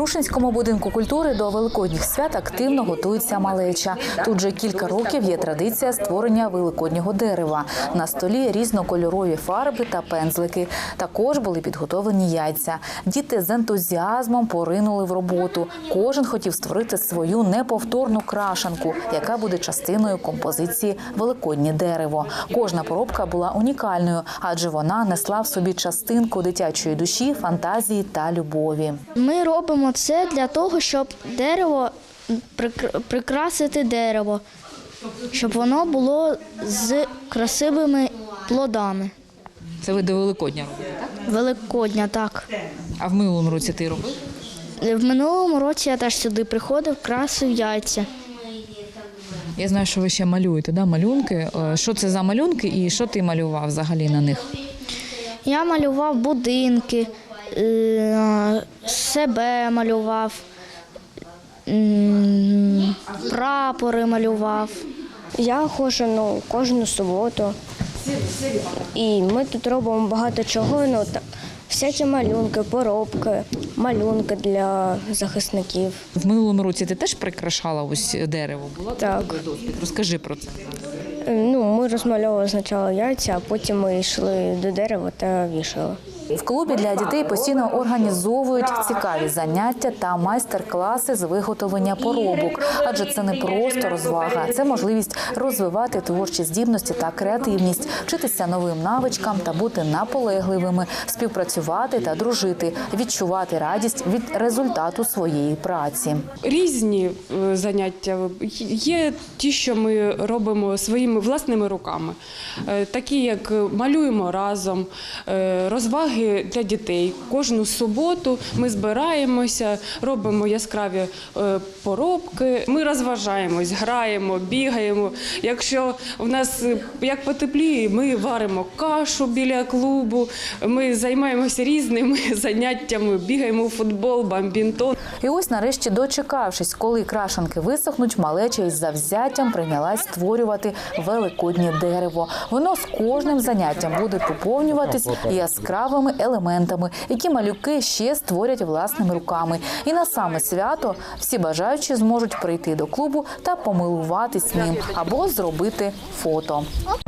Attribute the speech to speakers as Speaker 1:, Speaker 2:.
Speaker 1: Рушинському будинку культури до великодніх свят активно готується малеча. Тут вже кілька років є традиція створення великоднього дерева. На столі різнокольорові фарби та пензлики. Також були підготовлені яйця. Діти з ентузіазмом поринули в роботу. Кожен хотів створити свою неповторну крашанку, яка буде частиною композиції «Великоднє дерево». Кожна поробка була унікальною, адже вона несла в собі частинку дитячої душі, фантазії та любові.
Speaker 2: Ми робимо це для того, щоб прикрасити дерево, щоб воно було з красивими плодами.
Speaker 3: Це ви до Великодня робите, так?
Speaker 2: Великодня, так.
Speaker 3: А в минулому році ти робив?
Speaker 2: В минулому році я теж сюди приходив, красив яйця.
Speaker 3: Я знаю, що ви ще малюєте, да? Малюнки. Що це за малюнки і що ти малював взагалі на них?
Speaker 2: Я малював будинки, себе малював, прапори малював.
Speaker 4: Я ходжу кожну суботу, і ми тут робимо багато чого, всякі малюнки, поробки, малюнки для захисників.
Speaker 3: В минулому році ти теж прикрашала ось дерево? Була
Speaker 4: Так.
Speaker 3: досвід? Розкажи про це.
Speaker 4: Ми розмальовували спочатку яйця, а потім ми йшли до дерева та вішали.
Speaker 1: В клубі для дітей постійно організовують цікаві заняття та майстер-класи з виготовлення поробок. Адже це не просто розвага, це можливість розвивати творчі здібності та креативність, вчитися новим навичкам та бути наполегливими, співпрацювати та дружити, відчувати радість від результату своєї праці.
Speaker 5: Різні заняття є ті, що ми робимо своїми власними руками, такі як малюємо разом, розваги для дітей. Кожну суботу ми збираємося, робимо яскраві поробки, ми розважаємось, граємо, бігаємо. Якщо в нас як потепліє, ми варимо кашу біля клубу, ми займаємося різними заняттями, бігаємо у футбол, бадмінтон.
Speaker 1: І ось нарешті, дочекавшись, коли крашанки висохнуть, малеча із завзяттям прийнялась створювати великоднє дерево. Воно з кожним заняттям буде поповнюватись яскравими елементами, які малюки ще створять власними руками. І на саме свято всі бажаючі зможуть прийти до клубу та помилуватись ним або зробити фото.